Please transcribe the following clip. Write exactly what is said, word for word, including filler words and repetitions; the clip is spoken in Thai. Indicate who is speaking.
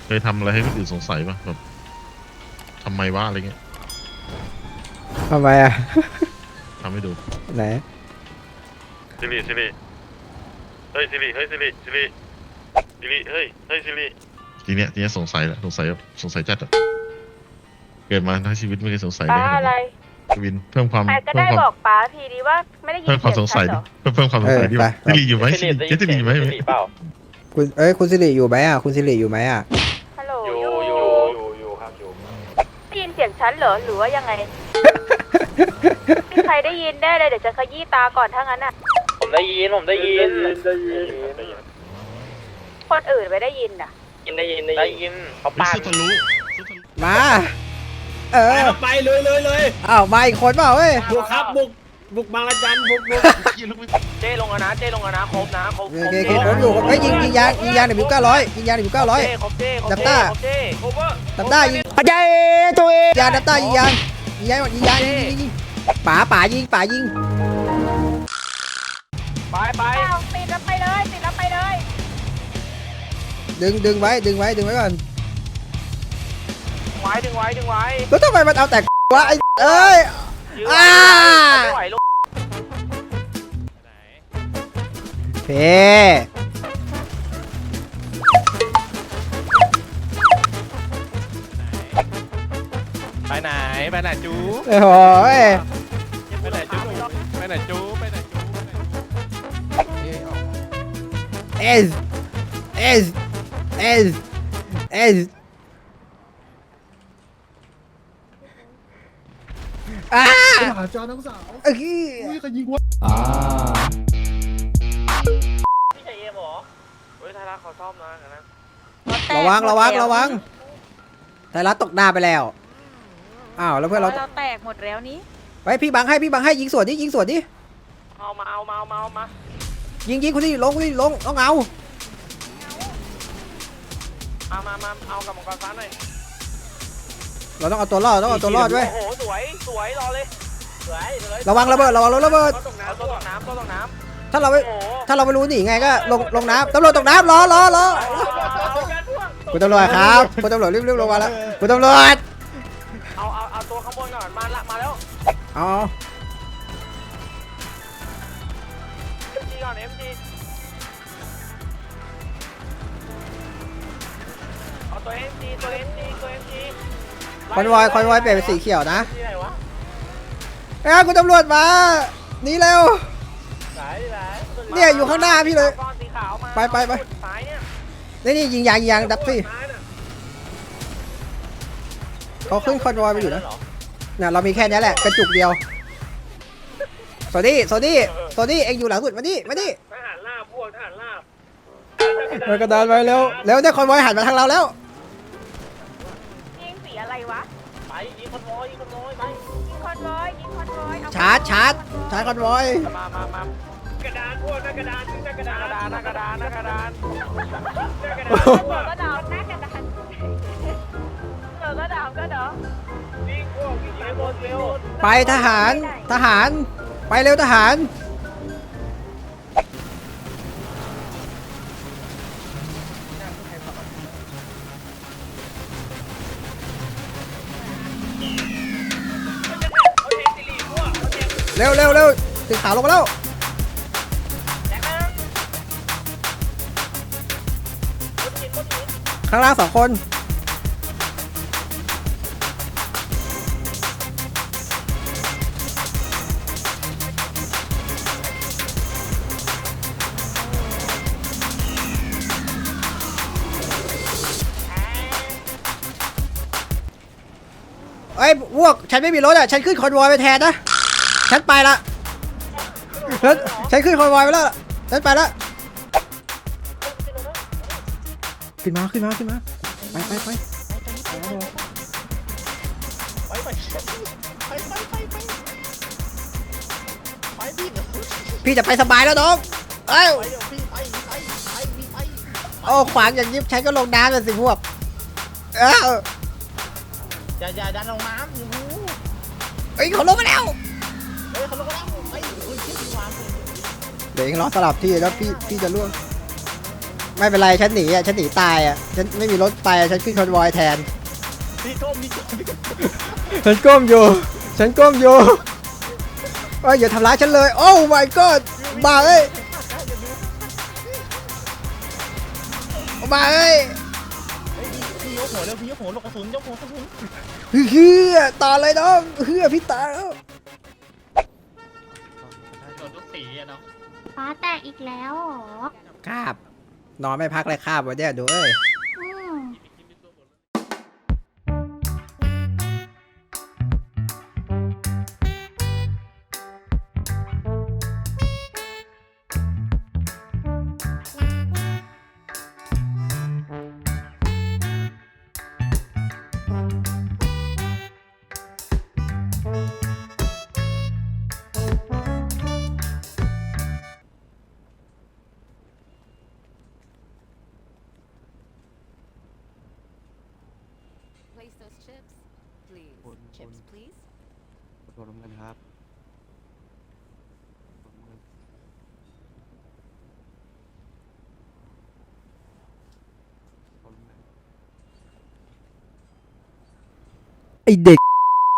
Speaker 1: เคยทำอะไรให้คนอื่นสงสัยป่ะแบบทำไมวะอะไรเงี้ย
Speaker 2: ทำไมอ่ะ
Speaker 1: ทำให้ดู
Speaker 2: ไหน
Speaker 1: ซิริซิริเฮ้ยซิริเฮ้ยซิริซิริซิริเฮ้ยเฮ้ยซิริทีเนี้ยทีเนี้ยสงสัยแหละสงสัยสงสัยจัดอะเกิดมาทั้งชีวิตไม่เคยสงสัยเลย
Speaker 3: อะไร
Speaker 1: วินเพิ่มความ
Speaker 3: ใครก็ได้บอกป้าทีดีว่าไม่ได้ยิน
Speaker 1: เพิ่มความสงสัยดิเพิ่มเพิ่มความสงสัยดิซิริอยู่ไหมซิริซิริอยู่ไหม
Speaker 2: คุณเอ้ยคุณสิริอยู่ไหมอ่ะคุณสิริอยู่ไหมอ่ะ
Speaker 3: ฮัลโหล
Speaker 4: อยู่อยู่อยู่อยู่ครับอยู่
Speaker 3: ได้ยินเสียงฉันเหรอหรือว่ายังไงมีใครได้ยินได้เลยเดี๋ยวจะขยี้ตาก่อนถ้างั้นอ่ะ
Speaker 4: ผมได้ยินผมได้ยินได้ยิน
Speaker 3: คนอื่นไม่ได้ยินอ่ะ
Speaker 4: ยินได้ยินได้ยินเขาปาด
Speaker 2: มาเออ
Speaker 5: ไปเลยเลยเลย
Speaker 2: อ้าวมาอีกคนเปล่าเว้ย
Speaker 5: บุกครับบุกบุกบางระจันบุกบุก
Speaker 4: เจ้ลงนะเจ้ลงนะครบนะครบ
Speaker 2: โอเคโอเคผมอยู่เฮ้ยยิงยิงยางยิงยางหนึ่งบิวเก้าร้อยยิงยางหนึ่งบิวเก้าร้อยดับต้าดับต้ายิงปัจจัยตัวเองยางดับต้ายิงยางยิงยางยิงยางยิงยิงยิงป๋าป๋ายิงป๋ายิง
Speaker 4: ไปไป
Speaker 3: ติดแล้วไปเลยติดแล้วไปเลย
Speaker 2: ดึงดึงไว้ดึงไว้ดึงไว้ก่อน
Speaker 4: ไว้ดึงไว้ดึงไว้
Speaker 2: แล้วทำไมมันเอาแต่วะไอ้เอ้ยอ่าเพ
Speaker 4: ไปไหนไปไหนจู
Speaker 2: โอ้ย
Speaker 4: ไปไหนจูไปไหนจูไปไหนจู
Speaker 2: เอสเอสเอสเอสอ่า
Speaker 5: หาจอน้องสาว
Speaker 2: เอ้ย
Speaker 5: เขายิงวะ
Speaker 2: อ่า
Speaker 4: พี่ชายเอ็มหรอเฮ้ยไทยรัฐเขาซ่อมนะนะ
Speaker 2: ระวังระวังระวังไทยรัฐตกหน้าไปแล้วอ้าวแล้วเพื่อนเรา
Speaker 3: เราแตกหมดแล้วนี้
Speaker 2: ไปพี่บังให้พี่บังให้ยิงสวนดิยิงสวนดิ
Speaker 4: เอามาเอามาเอามาเอามา
Speaker 2: ยิงยิงคนที่ลงคนที่ลงต้องเอา
Speaker 4: เอามามาเอากับมังกรฟ้าหน่อย
Speaker 2: เราต้องเอาตัวรอดต้องเอาตัวรอดด้วย
Speaker 4: โอ้โหสวยสวยรอเลยสวย
Speaker 2: ระวังระเบิดระวังระเบิด
Speaker 4: ตัวตกน้ำตัวตกน้ำตัวตกน้
Speaker 2: ำถ้าเราไม่ถ้าเราไม่รู้หนีไงก็ลงลงน้ำตำรวจตกน้ำรอรอรอคุณตำรวจครับคุณตำรวจรีบรีบลงมาแล้วคุณตำรวจ
Speaker 4: เอาเอาเอาตัวข้างบนก่อนมาละมาแล้ว
Speaker 2: เอา
Speaker 4: เอ็มจีก่อนเอ็มจีเอาตัวเอ็มจีตัวเอ็มจีตัวเอ็มจี
Speaker 2: คอนวอยคอนวอยเปลี่ยนเป็นสีเขียวนะเอ้ยคุณตำรวจมาหนีเร็วเนี่ยอยู่ข้างหน้าพี่เลยไปไปไปนี่นี่ยิงยางยิงยางดับสิเขาขึ้นคอนวอยไปอยู่นะเนี่ยเรามีแค่นี้แหละกระจุกเดียวโซดี้โซดี้โซดี้เอ็งอยู่หลังสุดมาดิมาดิ
Speaker 4: ทหารลาบพวกทหารลาบ
Speaker 2: มากระดานไปเร็วเร็วเนี่ยคอนวอยหันมาทางเราแล้ว
Speaker 3: ยิงสีอะไรวะ
Speaker 4: ไปยิงคอนวอยยิงคอนวอยไป
Speaker 3: ยิงคอนวอยยิงคอนวอย
Speaker 2: ชาร์จชาร์จชาร์จคอนวอย
Speaker 4: มามามากระดานพวกหน้ากระดานหน้ากระดานหน้ากระดานหน้ากระดานหน้ากระดาน
Speaker 3: เปิดก็ดาวหน้ากระดานเปิดก็ดาวก็ดาว
Speaker 4: วิ่งพวกวิ่งเร็วเร็ว
Speaker 2: ไปทหารทหารไปเร็วทหารเร็วเร็วเร็วตึกขาวลงมาแล้วข้างล่างสองคนเอ้ยพวกฉันไม่มีรถอ่ะฉันขึ้นคอนวอยไปแทนนะฉันไปละแล้วฉันขึ้นคอนวอยไปแล้วฉันไปละขึ้นมาขึ้นมาขึ้นมาไปไปไปพี่จะไปสบายแล้วน้องเอ้ยโอ้ขวางอย่างยิบฉันก็ลงน้ำเลยสิพวกเอ้า
Speaker 4: อย่าอย่าดันลงน้ำ
Speaker 2: เฮ้ยเขาลงมาแล้ว
Speaker 4: เฮ้ยเขาลงมาแล้วไปเฮ้ยเชี่ยพี่วาง
Speaker 2: เดี๋ยวเองรอสลับที่แล้วพี่พี่จะล่วงไม่เป็นไรฉันหนีอ่ะฉันหนีตายอ่ะฉันไม่มีรถไปอะฉันขึ้นคอนวอยแทน
Speaker 4: พี่ก้มพี่ก้มพี่ก้ม
Speaker 2: ฉันก้มอยู่ ฉันก้มอยู่เอ้ยอย่าทำร้ายฉันเลย โอ้ my god มาเอ้ยมาเอ้ย
Speaker 4: พี่ยกหัวเร็วพี่ยกหัวลูกกระสุนยกหัวกระสุน
Speaker 2: เฮือต่อเลยน้องเฮือพี่ตาแล้ว
Speaker 4: โดนทุกสีอะเนาะ
Speaker 6: ฟ้าแตกอีกแล้วเหรอ
Speaker 2: คาบนอนไม่พักเลยคาบวันเนี้ยดูเอ้ย
Speaker 6: อืม
Speaker 7: Place those chips, please. Chips, please.
Speaker 8: ขอบคุณครับ
Speaker 2: ไอเด็ก